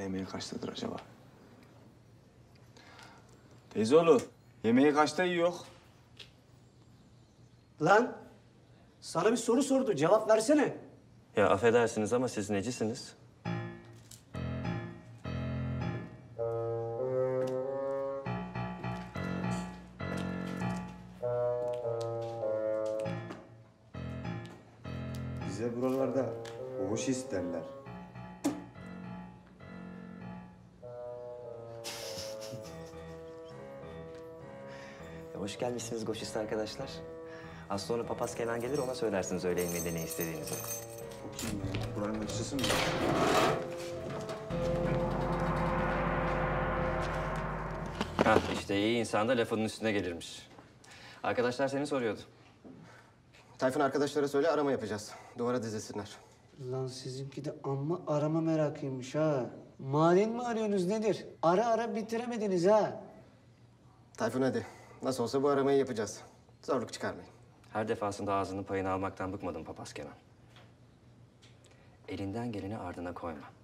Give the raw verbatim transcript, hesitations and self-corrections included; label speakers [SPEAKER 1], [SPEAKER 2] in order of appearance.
[SPEAKER 1] yemeği kaçtadır acaba? Teyzeoğlu, yemeği kaçta yiyor?
[SPEAKER 2] Lan sana bir soru sordu. Cevap versene.
[SPEAKER 3] Ya affedersiniz ama siz necisiniz?
[SPEAKER 4] Bize buralarda boğuş isterler.
[SPEAKER 3] Hoş gelmişsiniz Goşist arkadaşlar. Az sonra papaz Kenan gelir, ona söylersiniz öğle yemeğinde ne istediğinizi.
[SPEAKER 4] O kim ya? Buranın aşçısı mı?
[SPEAKER 3] Hah, işte iyi insan da lafının üstüne gelirmiş. Arkadaşlar seni soruyordu.
[SPEAKER 5] Tayfun arkadaşlara söyle arama yapacağız. Duvara dizilsinler.
[SPEAKER 2] Lan sizinki de amma arama merakıymış ha. Maden mi arıyorsunuz nedir? Ara ara bitiremediniz ha.
[SPEAKER 5] Tayfun hadi. Nasıl olsa bu aramayı yapacağız. Zorluk çıkarmayın.
[SPEAKER 3] Her defasında ağzının payını almaktan bıkmadım papaz Kenan. Elinden geleni ardına koyma.